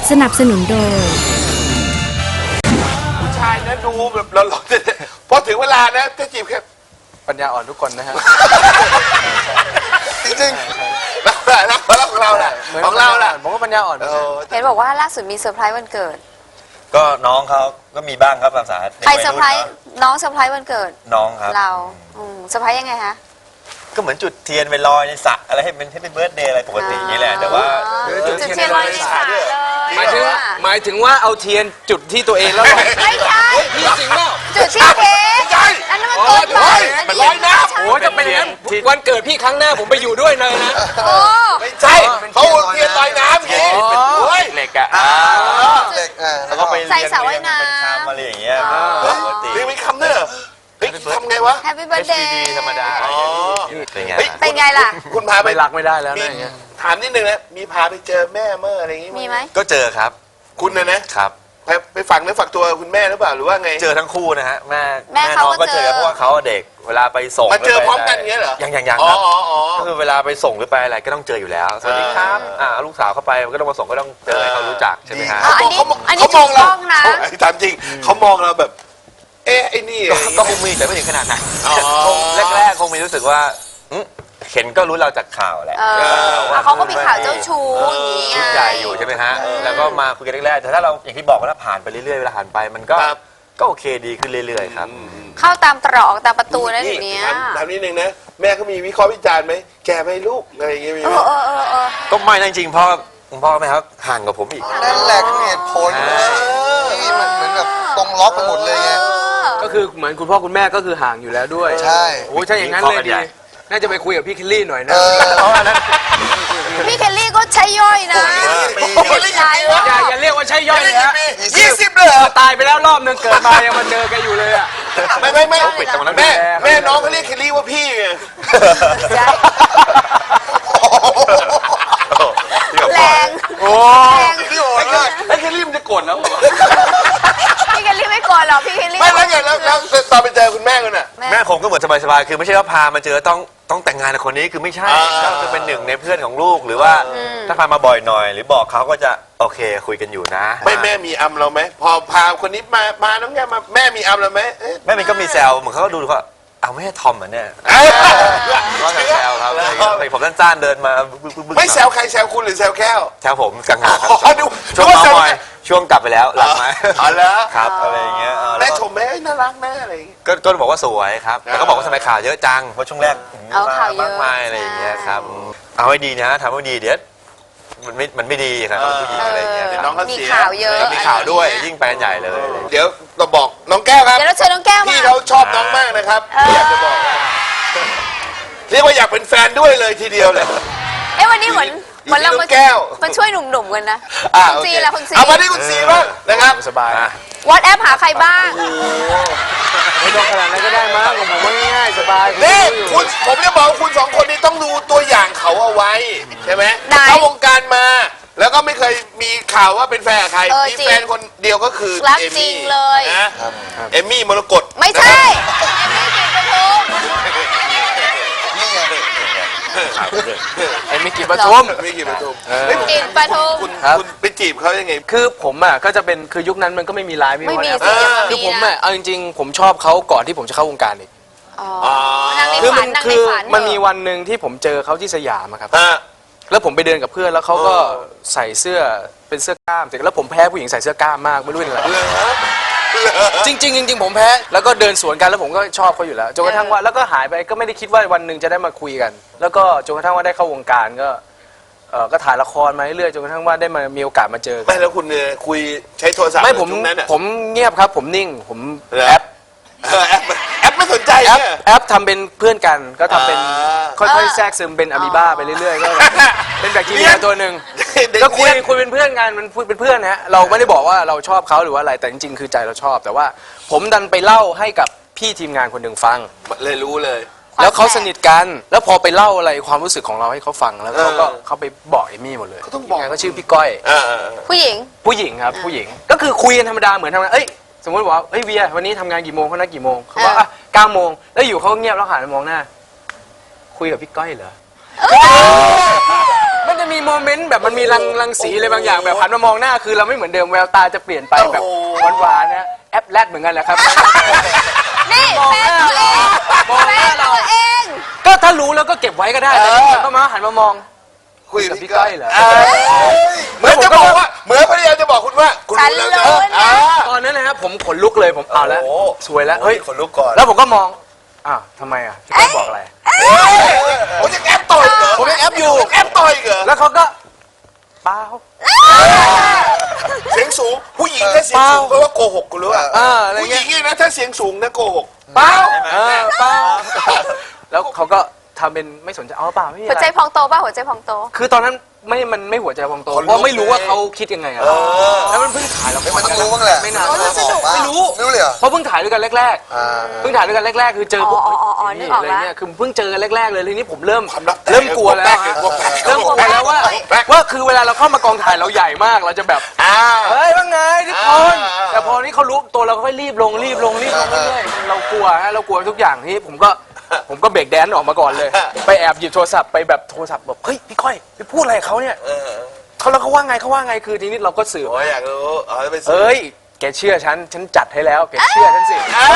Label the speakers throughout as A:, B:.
A: สนับสนุนโดย
B: ผู้ชายนะดูแบบเราพอถึงเวลานะจะจีบแค่
C: ปัญญาอ่อนทุกคนนะฮะ
B: จริงๆแล้วของเราแหละของเราแหละ
C: ผมก็ปัญญาอ่อน
D: เห็นบอกว่าล่าสุดมีเซอร์ไพรส์วันเกิด
E: ก็น้องเขาก็มีบ้างครับภาษา
D: ใครเซอร์ไพรส์น้องเซอร์ไพรส์วันเกิด
E: น้องครับ
D: เราเซอร์ไพรส์ยังไงฮะ
E: ก็เหมือนจุดเทียนไปลอยในสระอะไรให้เป็นเบิร์ธเดย์อะไรปกติอย่างนี้แหละแต่ว่า
D: จุดเทียนลอยในสระเลย
C: หมายถึงว่าเอาเทียนจุดที่ตัวเองแล้วลอย
D: ไม่ใช่
C: พี่จริงเปล่า
D: จุดที่เค้กอันนั้นมันเกินไป
B: มันลอยน้ำ
C: โอ้จะเป็นอย่างนั้นวันเกิดพี่ครั้งหน้าผมไปอยู่ด้วยเลยนะ
B: ไม่ใช่เขาเทียนลอยน้ำอย่างนี้
E: เหล็กอ่ะแล้วก็ไปเรียนเป็นคำอะไรอย่างเงี้ยปกติ
B: เรียนเป็นคำเนี่ยทำไงวะ
D: Happy Birthday
E: ธรรมดา
D: เป็นไงล่ะ
B: คุณพาไป
C: รักไม่ได้แล้วนะ
B: ถามนิดนึงนะมีพาไปเจอแม่เมื่ออะไรอย่างงี้
D: มีไหม
E: ก็เจอครับ
B: คุณนะครับไปฝังเนื้อฝักตัวคุณแม่หรือเปล่าหรือว่าไง
E: เจอทั้งคู่นะฮะแม่น้องก็เจอเพราะว่าเขาเด็กเวลาไปส่ง
B: มาเจอพร้อมกันเงี้ยเหรอ
E: ยังครับก็คือเวลาไปส่งหรือไปอะไรก็ต้องเจออยู่แล้วสวัสดีครับลูกสาวเข้าไปก็ต้องมาส่งก็ต้องเจอให้เขารู้จักใช่ไหมฮะ
D: อันนี้ถูกต้องนะ
B: ถามจริงเขามองเราแบบไอ้นี่
E: ก็คงมีแต่ไม่ถึงขนาดนั้นแรกคงมีรู้สึกว่าเห็นก็รู้เราจากข่าวแหละ
D: เขาก็มีข่าวเจ้าชู้อย่างนี้
E: ชุดใหญ่อยู่ใช่ไหมฮะแล้วก็มาคุยกันแรกๆแต่ถ้าเราอย่างที่บอกว่าถ้าผ่านไปเรื่อยๆเวลาผ่านไปมันก็โอเคดีขึ้นเรื่อยๆครับ
D: เข้าตามตรอกตามประตูนะทีนี้
B: ถามนิดนึงนะแม่เขามีวิเคราะห์วิจารณ์ไหมแกไม่ลูกอะไรอย่างเงี้ยมีไหม
E: ก็ไม่จริงๆพ่อแม่ครับห่างกับผมอีก
F: นั่นแหละคือเหตุผลนี่มันเหมือนแบบตรงล็อกไปหมดเลยไง
C: ก็คือเหมือนคุณพ่อคุณแม่ก็คือห่างอยู่แล้วด้วย
F: ใช่
C: โอ้ใช่อย่างนั้นเลยดีน่าจะไปคุยกับพี่เคลลี่หน่อยนะ
D: พี่เคลลี่ก็ใช้ย่อยนะ
C: อย่าเรียกว่าใช้ย่อยนะ
B: 20เลย
C: ตายไปแล้วรอบนึงเกิดมายังมาเจอแกอยู่เลยอ่ะ
B: ไม่ปิดตรงนั้นแม่น้องเขาเรียกเคลลี่ว่าพี่ไง
D: แรง
C: โอ้
B: พี่โอ้ย
C: ไอ้เคลลี่มันจะโกรธแล้ว
D: พี่เคลลี่ไม่โกรธหรอกพี่เคลลี่
B: ไม่แล้วไงแล้วตอนไปเจอคุณแม่กันน่ะ
E: แม่ผมก็เหมือนสบายๆคือไม่ใช่ว่าพามาเจอต้องแต่งงานกับคนนี้คือไม่ใช่ก็คือเป็นหนึ่งในเพื่อนของลูกหรือว่าถ้าพามาบ่อยหน่อยหรือบอกเขาก็จะโอเคคุยกันอยู่นะ
B: ไม่แม่มีอัมเราไหมพอพาคนนี้มาน้องแกมาแม่มีอัมเราไหม
E: แม่มีก็มีแซวเหมือนเขาก็ดูว่าเอาไม่ให้ทอมเหมือนเนี่ยก็แซวครับผมสั้นๆเดินมา
B: ไม่แซวใครแซวคุณหรือแซวแก้ว
E: แซวผมกังหา
B: ช่วง
E: น้อยช่วงกลับไปแล้วหลังไหม
B: อ๋อแล้ว
E: ครับอะไรอย่างเงี้ย
B: แม่ชมแม่น่ารักแม่อะไร
E: ก็บอกว่าสวยครับแต่ก็บอกว่าทำไมข่าวเยอะจังเพราะช่วงแรกมากมายอะไรอย่างเงี้ยครับเอาให้ดีนะทำให้ดีเดี๋ยวมันไม่ดีครับผู้หญิงอะไรอย่างเงี้ย
B: น้องเขา
D: มีข่าวเยอะ
E: มีข่าวด้วยยิ่งไปกันใหญ่เลย
B: เดี๋ยวเราบอกน้องแก้วครับ
D: เดี๋ยวเราเชิญน้องแก้วมา
B: พี่เขาชอบน้องมากนะครับอยากจะบอกเรียกว่าอยากเป็นแฟนด้วยเลยทีเดียวเลย
D: วันนี้เหมือนเรามาช่วยหนุ่มๆกันนะคุณซีละคุณซี
B: เอามาที่คุณซีบ้างนะครับ
C: สบา
D: ยวอทแอปหาใครบ้าง
C: ไม่ต้องขนาดนั้นก็ได้มั้งผมว่าง่ายสบาย
B: นี่ผมจะบอกคุณ2คนนี้ต้องดูตัวอย่างเขาเอาไว้ใช่ไหมเข้าวงการมาแล้วก็ไม่เคยมีข่าวว่าเป็นแฟนใครมีแฟนคนเดียวก็คือ
D: เอมมี่เลย
B: นะเอมมี่มรกต
D: ไม่ใช่
C: เอมมี่กินปทุม
B: กินปทุม
D: กินปทุม
B: คุณไปจีบเขายังไง
C: คือผมอ่ะก็จะเป็นคือยุคนั้นมันก็ไม่มีไลน์
D: ไม่มี
C: คือผมอ่ะเอาจริงๆผมชอบเขาก่อนที่ผมจะเข้าวงการอีกคือมันมีวันหนึ่งที่ผมเจอเขาที่สยามครับแล้วผมไปเดินกับเพื่อนแล้วเขาก็ใส่เสื้อเป็นเสื้อกล้ามเสร็จแล้วผมแพ้ผู้หญิงใส่เสื้อกล้ามมากไม่รู้เป็นอะไรจริงผมแพ้แล้วก็เดินสวนกันแล้วผมก็ชอบเขาอยู่แล้วจนกระทั่งว่าแล้วก็หายไปก็ไม่ได้คิดว่าวันหนึ่งจะได้มาคุยกันแล้วก็จนกระทั่งว่าได้เข้าวงการก็ถ่ายละครมาเรื่อยจนกระทั่งว่าได้มามีโอกาสมาเจอ
B: ไม่แล้วคุณคุยใช้โทรศัพท์
C: ไม่ผมเงียบครับผมนิ่งผมแอป
B: ไม่สนใจ
C: แอปทำเป็นเพื่อนกันก็ทำเป็นค่อยๆแทรกซึมเป็นอะมีบ้าไปเรื่อยๆก็เป็นแบคทีเรียตัวหนึ่งก็คุยเป็นเพื่อนกันมันเป็นเพื่อนนะเราไม่ได้บอกว่าเราชอบเขาหรือว่าอะไรแต่จริงๆคือใจเราชอบแต่ว่าผมดันไปเล่าให้กับพี่ทีมงานคนหนึ่งฟัง
B: เลยรู้เลย
C: แล้วเขาสนิทกันแล้วพอไปเล่าอะไรความรู้สึกของเราให้เขาฟังแล้วเขาไปบอกเอมี่หมดเลย
B: เขาต้องบอก
C: เขาชื่อพี่ก้อย
D: ผู้หญิง
C: ครับผู้หญิงก็คือคุยกันธรรมดาเหมือนทำงานสมมติว่าเวียวันนี้ทำงานกี่โมงเขานัดกี่โมงเขาบอก9 โมงแล้วอยู่เขาเงียบแล้วหันมามองหน้าคุยกับพี่ก้อยเหรอมันจะมีโมเมนต์แบบมันมีรังสีอะไรบางอย่างแบบหันมามองหน้าคือเราไม่เหมือนเดิมแววตาจะเปลี่ยนไปแบบหวานๆนะแอปแรดเหมือนกันแหละครับ
D: นี่แฟนตัวเอง
C: มอง
D: แฟ
C: หน้าน เรา
D: ตัวเอง
C: ก็ถ้ารู้แล้วก็เก็บไว้ก็ได้แต่ก็มาหันมามอง
B: คุย
C: กั
B: กั
C: บบ พี่
B: พี่
C: ก้
B: ก้
C: อ
B: อย ย
C: เหรอ
B: เหมือนจะบอกว่าเหมือนพยายามจะบอกคุณว่าคุณ
D: ฉัน
B: รู้
D: รู้
B: แล้ว
D: นะ
C: ตอนนั้นนะครับผมขนลุกเลยผมเอาแล้ว
B: โอ้
C: สวยแล้วเฮ้ย
B: ขนลุกก่อน
C: แล้วผมก็มองอ้าวทำไมอ่ะพี่ก้อยบอกอะไร
B: ผมยังแอปต่อยเหรอ
C: ผมยังแอปอยู่
B: แอปต่อยเหรอ
C: แล้วเขาก็เปล่า
B: เสียงสูงผู้หญิงถ้าเสียงสูงเพราะว่าโกหกกูรู้อ่ะ
C: อะไร
B: ผู้ห
C: เงี้
B: ญิ
C: ย
B: งนี่นะถ้าเสียงสูงนะโกหก
C: เปล่าเปล่าแล้วเขาก็ทำเป็นไม่สนใจเปล่าไม่มี
D: หัว
C: อะ
D: ใจ
C: ไร
D: พองโตป่ะหัวใจพองโต
C: คือตอนนั้นมันไม่หัวใจพองโตเพราะไม่รู้ว่าเขาคิดยังไงอะแล้วมันเพิ่งถ่ายละคร
F: มันต้องรู้บ้างแหละ
C: ไม่นาน
D: โอ้ยสนุก
C: ไม่รู้
F: ไม่รู้เลยเหรอ
C: เพราะเพิ่งถ่ายด้วยกันแรก
F: อ่า
C: ๆเพิ่งถ่ายด้วยกันแรกๆคือเจอพวก
D: อ๋อนึกออก
C: อะไร
D: ละ
C: เงี้ยคือเพิ่งเจอกันแรกๆเลยทีนี้ผมเริ่ม
B: ความลับแตก
C: เริ่มกลัวแล้ว
B: พวกแตก
C: เริ่มกลัวแล้วว่า
B: แตก
C: ว่าคือเวลาเราเข้ามากองถ่ายเราใหญ่มากเราจะแบบ เฮ้ยว่าไงทุกคน แต่พอนี้เขารู้ตัวเราก็ค่อยรีบลงเรื่อยๆเรากลัวฮะเรากลัวทุกอย่างที่ผมก็เบรกแดนซ์ออกมาก่อนเลย ไปแอบหยิบโทรศัพท์ไปแบบโทรศัพท์แบบเฮ้ยพี่ก้อยไปพูดอะไรกับเขาเนี่ยเขาว่าไงคือทีนี้เราก็สื่อ
B: โอ้ยอยากรู้อ๋อไปซื้อ
C: เอ้ยแกเชื่อฉันจัดให้แล้วแกเชื่อฉันสิ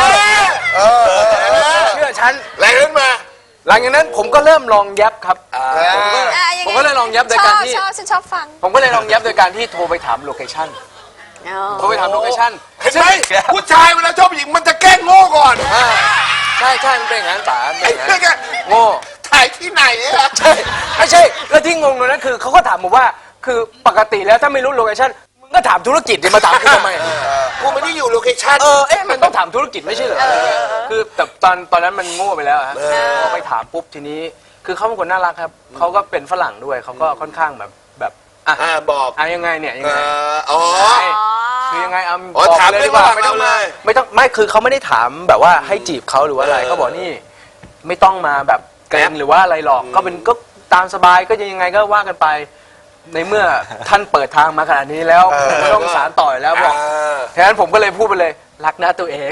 C: เชื่อฉัน
B: อะไรขึ้นมา
C: หลังจากนั้นผมก็เริ่มลองยับครับผมก็เลยลองยับโดยการที่
D: ชอบฉันชอบฟัง
C: ผมก็เลยลองยับโดยการที่โทรไปถามโลเคชั่น โทรไปถามโลเคชั่น
B: เห็นไหมผู้ชายเวลาชอบผู้หญิงมันจะแกล้งโง่ก่อน
C: ใช่มันเป็นอย่างนั้นป๋ามัน
B: ไอ้
C: เป็นอย่าง
B: เพื่
C: นั้
B: อน น
C: โง่
B: ถ่ายที่ไหนอะ
C: ใช่ไม่ใช่แล้วที่งงเลยนะคือเขาก็ถามผมว่าคือปกติแล้วถ้าไม่รู้โลเคชั่นมึงก็ถามธุรกิจดิมาถามกูทำไม
B: กูไม่ได้อยู่โลเคชั่น
C: มันต้องถามธุรกิจไม่ใช่เหรอคือแต่ตอนนั้นมันโง่ไปแล้วฮะพอไปถามปุ๊บทีนี้ คือเขาเป็นคนน่ารักครับเขาก็เป็นฝรั่งด้วยเขาก็ค่อนข้างแบบ
B: บอก
C: ยังไงเนี่ยยังไง
B: อ๋อ
C: คือยังไง
B: ถาม
C: เลย
B: เรื่
C: ดี
B: อง
C: กว่า
B: ว่า
C: ไม่ต้อง
B: เล
C: มาย ไม่คือเขาไม่ได้ถามแบบว่าให้จีบเขาหรือว่าอะไรเขาบอกนี่ไม่ต้องมาแบบเกรงหรือว่าอะไรหรอกก็ตามสบายก็ยังไงก็ว่ากันไป ในเมื่อท่านเปิดทางมาขนาดนี้แล้วผมก็ต้องสารต่อแล้วบอกฉะนั้นผมก็เลยพูดไปเลยรักนะตัวเอง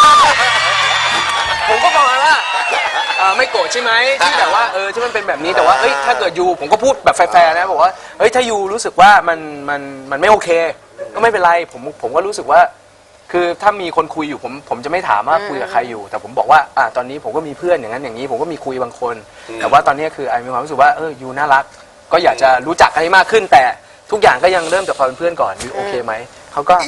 C: ผมก็บอกว่าไม่โกรธใช่ไหมที่แบบว่าที่มันเป็นแบบนี้แต่ว่าถ้าเกิดยูผมก็พูดแบบแฟร์ๆนะบอกว่าถ้ายูรู้สึกว่ามันไม่โอเค ก็ไม่เป็นไรผมก็รู้สึกว่า คือถ้ามีคนคุยอยู่ผมจะไม่ถามว่าคุยกับใครอยู่ แต่ผมบอกว่าตอนนี้ผมก็มีเพื่อนอย่างนั้นอย่างนี้ ผมก็มีคุยบางคน แต่ว่าตอนนี้คือไอมีความรู้สึกว่ายูน่ารักก็อยากจะรู้จักกันให้มากขึ้น แต่ทุกอย่างก็ยังเริ่มจากความเป็นเพื่อนก่อนยูโอเคไหมเขาก็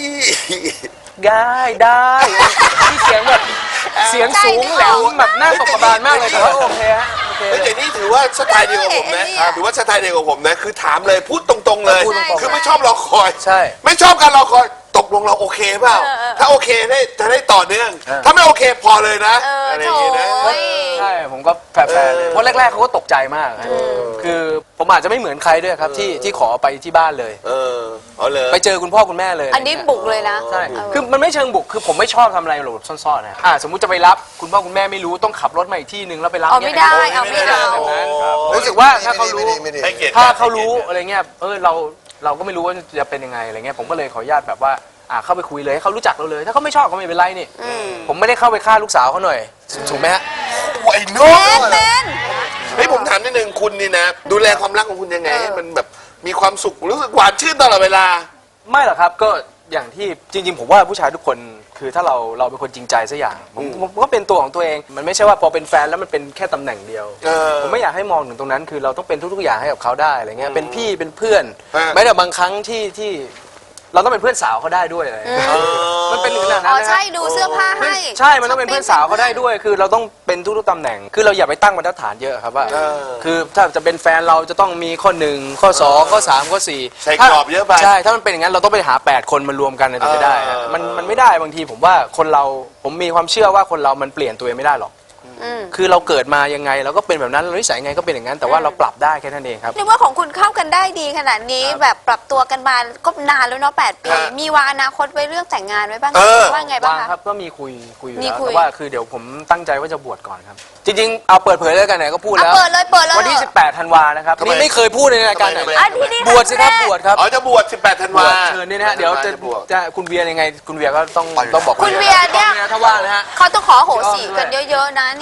C: ได้ที่เสียงแบบเสียงสูงแหลมแบบหน้าตกกระบาลมากเลยแต่ว่าโอเคฮะโอเค
B: แต่นี่ถือว่าสไตล์เดียวกับผมนะถือว่าสไตล์เดียวกับผมนะคือถามเลยพูดตรงๆเลย
C: พูดตรงๆ
B: คือไม่ชอบรอคอย
C: ใช่
B: ไม่ชอบการรอคอยตกลงเราโอเคเปล่าถ้าโอเคจะได้ต่อเนื่อง ถ้าไม่โอเคพอเลยนะอะไรอย่างงี้นะ
C: ใช่ผมก็แฟร์ๆเลยเพราะแรกๆเขาก็ตกใจมากคือผมอาจจะไม่เหมือนใครด้วยครับที่ขอไปที่บ้านเลย
B: เอาเลย
C: ไปเจอคุณพ่อคุณแม่เลย
D: อันนี้บุกเลยนะ
C: ใช่คือมันไม่เชิงบุกคือผมไม่ชอบทำอะไรหลบซ่อนๆนะสมมุติจะไปรับคุณพ่อคุณแม่ไม่รู้ต้องขับรถมาอีกที่นึงแล้วไปรับ
D: เอาไม่ได้เอาไม่ได้
C: แบบนั้นรู้สึกว่าถ้าเขารู้
F: ไม่ดี
B: ให้เกียรติ
C: ถ้าเขารู้อะไรเงี้ยเราก็ไม่รู้ว่าจะเป็นยังไงอะไรเงี้ยผมก็เลยขออนุญาตแบบว่าเข้าไปคุยเลยให้เขารู้จักเราเลย ถ้าเขาไม่ชอบก็ไม่เป็นไรนี่ผมไม่ได้เข้าไปฆ่าลูกสาวเขาหน่อยถูกไหมฮะ
B: ไอ้น้อง
D: เป็น
B: เฮ้ยผมถามนิดนึงคุณนี่นะดูแลความรักของคุณยังไงให้มันแบบมีความสุขรู้สึกหวานชื่นตลอดเวลา
C: ไม่หรอกครับก็อย่างที่จริงๆผมว่าผู้ชายทุกคนคือถ้าเราเป็นคนจริงใจสักอย่างผมก็เป็นตัวของตัวเองมันไม่ใช่ว่าพอเป็นแฟนแล้วมันเป็นแค่ตำแหน่งเดียวผมไม่อยากให้มองถึงตรงนั้นคือเราต้องเป็นทุกๆอย่างให้กับเขาได้อะไรเงี้ยเป็นพี่เป็นเพื่อนแม้แต่บางครั้งที่เราต้องเป็นเพื่อนสาวเขาได้ด้วยอะไรมันเป็นถึงขนาดนั้นนะ
D: ใช่ดูเสื้อผ้าให้
C: ใช่มันต้องเป็นเพื่อนสาวเขาได้ด้วย คือเราต้องเป็นทุกๆตำแหน่งคือเราอย่าไปตั้งบรรทัดฐานเยอะครับว่าคือถ้าจะเป็นแฟนเราจะต้องมีข้อ1ข้อ2ข้อ3ข้อ4
B: ใส่กรอบเยอะไป
C: ใช่ถ้ามันเป็นอย่างนั้นเราต้องไปหา8คนมารวมกันถึงจะได้ฮะมันไม่ได้บางทีผมว่าผมมีความเชื่อว่าคนเรามันเปลี่ยนตัวเองไม่ได้หรอกคือเราเกิดมายังไงเราก็เป็นแบบนั้นเรานิสัยยังไงก็เป็นอย่างนั้นแต่ว่าเราปรับได้แค่นั้นเองครับ
D: เรียกว่าของคุณเข้ากันได้ดีขนาดนี้แบบปรับตัวกันมาก็นานแล้วเนาะ8 ปีมีวางอนาคตไว้เรื่องแต่งงานไว้บ้างว่าไงบ้าง
C: ค
D: คะ
C: รับก็มีคุยอยู่
D: มี
C: แล้ว
D: คุย
C: แต่ว่าคือเดี๋ยวผมตั้งใจว่าจะบวชก่อนครับจริงๆเอาเปิดเผยเลยกันไหนก็พูดแล้ว
D: เปิดเลย
C: วันที่18ธันวานะครับนี่ไม่เคยพูดในรายการไหน
D: อันที่นี่
C: บวชสิครับบวชครับ
B: อ๋อจะบวช18ธันวา
C: เชิญนี่นะฮะเดี๋ยวจะคุณเวียยังไงคุณเวียก็ต้องบอก
D: คุณเวียเนี่ย
C: ถ้าว่างนะฮะ
D: เขาต้องขอโหสิกันเยอะๆนะเนี่ย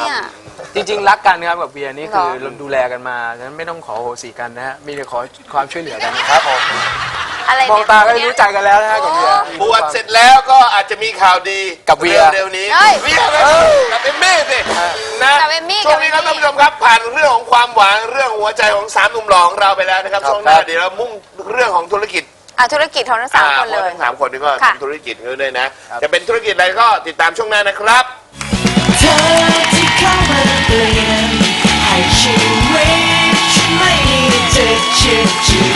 C: จริงๆรักกันครับกับเบียร์นี่คือ
D: เหรอ
C: เราดูแลกันมาฉะนั้นไม่ต้องขอโหสิกันนะฮะมีแต่ขอความช่วยเหลือกันนะครับ
F: ผม
D: อะไร
C: มองตาก็รู้ใจกันแล้วนะฮะกับเบียร์
B: บวชเสร็จแล้วก็อาจจะมีข่าวดี
C: กับเวีย
B: เร็วๆนี้
D: เฮ้ย
B: เวียเลยกับเอมมี่สินะ
D: กับเอมมี่
B: ช่วงนี้ครับ
D: กับ
B: ท่าน
D: เอมมี่
B: ผู้ชมครับผ่านเรื่องของความหวังเรื่องหัวใจของ3หนุ่มหล่อของเราไปแล้วนะครับช่วงหน้าเดี๋ยวเรามุ่งเรื่องของธุรกิจ
D: ธุรกิจของทั้งสามคนเลย
B: ทั้ง3คนนี้ก็
D: ค่ะ
B: ทำธุรกิจกันด้วยนะ จะเป็นธุรกิจอะไรก็ติดตามช่วงหน้านะครับ
A: เธอที่เข้ามาเปลี่ยนให้ชีวิตฉันไม่มีจะเชื่อ